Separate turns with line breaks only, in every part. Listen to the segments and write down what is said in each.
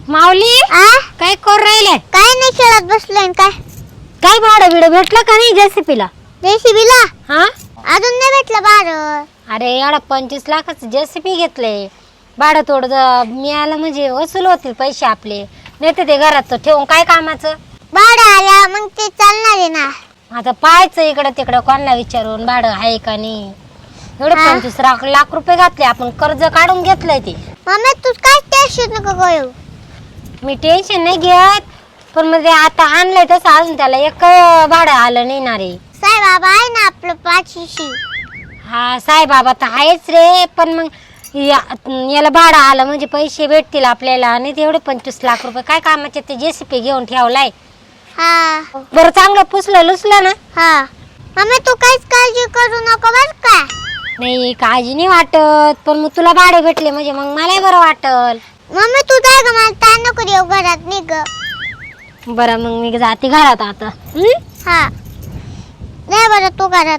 माऊली काय करू राहिले?
काय नाही खेळत बसलोय काय.
काय भाडं बिडं भेटलं का नाही जेसीपीला?
जेसीबीला
हा
अजून नाही भेटलं भाडं.
अरे एवढा 25 लाखाचं जेसीपी घेतलंय. भाडं थोडं मिळालं म्हणजे वसूल होतील पैसे आपले. नाही तर ते घरात ठेवून काय कामाचं.
भाडं आल्या मग ते चालणार आहे ना.
आता पाहायचं इकडं तिकडं कोणाला विचारून भाडं आहे का नाही. एवढे 25 लाख रुपये घातले आपण, कर्ज काढून घेतलंय ते.
मम्मी तू काय टेन्शन नको घेऊ.
मी टेन्शन नाही घेत, पण म्हणजे आता आणलंय तसं अजून त्याला एक भाडं आलं नाही ना रे.
साई बाबा आहे ना आपलं पाचशेशी.
हा साईबाबा तर आहेच रे, पण मग याला भाडं आलं म्हणजे पैसे भेटतील आपल्याला. आणि तेवढे 25 लाख रुपये काय कामाचे, ते जेसीपी घेऊन ठेवलाय.
हा
बरं चांगलं पुसलं लुसलं ना.
हा मम्मी तू काहीच काळजी करू नको बर का.
नाही काळजी नाही वाटत, पण मग तुला भाडे भेटले म्हणजे मग मलाही बरं वाटल.
मम्मी तू जाय ग, मला ताण नको देऊ घरात निघ.
बरं मग मी जाते घरात आता.
हा नाही बरं तू घरात.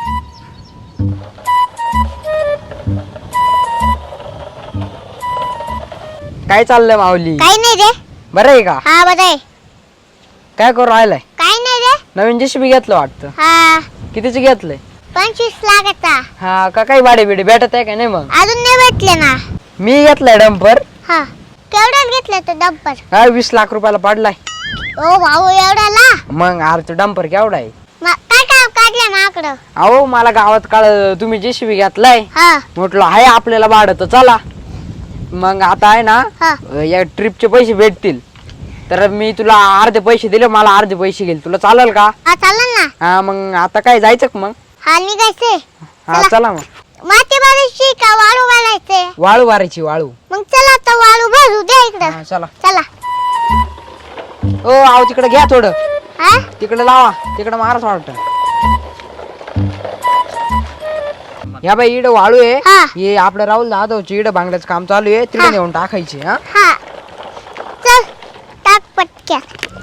काय चाललंय माऊली?
काही नाही रे.
बरं आहे का?
हा बरं आहे.
काय करू राहिलाय?
काही नाही रे.
नवीन जेसीबी घेतलं वाटतं.
हा
कितीच घेतलंय?
25 लाखाचा.
हा का काही भाडे बिडे भेटत आहे का नाही? मग
अजून नाही भेटले ना.
मी घेतलाय डंपर.
हा केवढ्यात घेतलं तो डंपर?
काय 20 लाख रुपयाला पडलाय.
ओ भाऊ एवढ्याला?
मग अरे तो डंपर केवढा आहे?
काय काम काढलं माकडं?
अहो मला गावात काळ तुम्ही जेसीबी घेतलाय,
हा
म्हटलं आहे आपल्याला भाडं तर चला. मग आता आहे ना,
हा
या ट्रिपचे पैसे भेटतील तर मी तुला अर्धे पैसे दिले, मला अर्धे पैसे घेईल. तुला चालेल का?
हा चालेल ना.
हा मग आता काय जायचं का मग?
हा निघायचंय.
हा चला मग.
माती भरायची का वाळू घालायचे?
वाळू वारायची वाळू.
मग चला आता वाळू भरू द्या इकडं.
हा चला.
चला.
ओ आव तिकडे घ्या थोडं,
हा
तिकडे लावा, तिकडे मारच वाटत. ह्या बाई इड वाळू आहे.
हा.
हे आपलं राहुल दादाची इड बांगड्याचं काम चालू आहे, तिकडे नेऊन टाकायची. हा
हा चल टाक पटक्या.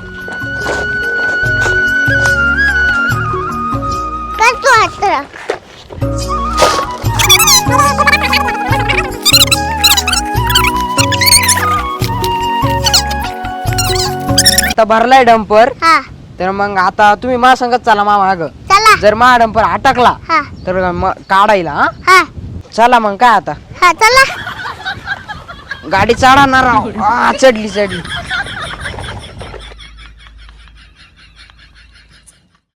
कर तू हात राख.
आता भरलाय डंपर,
हा
तर मग आता तुम्ही माझ्या संगत चला मा माग.
चला.
जर मा डंपर अटकला
हा
तर मग काढायला. हा
हा
चला मग काय आता
हा चला.
गाडी चढणार. चढली चढली.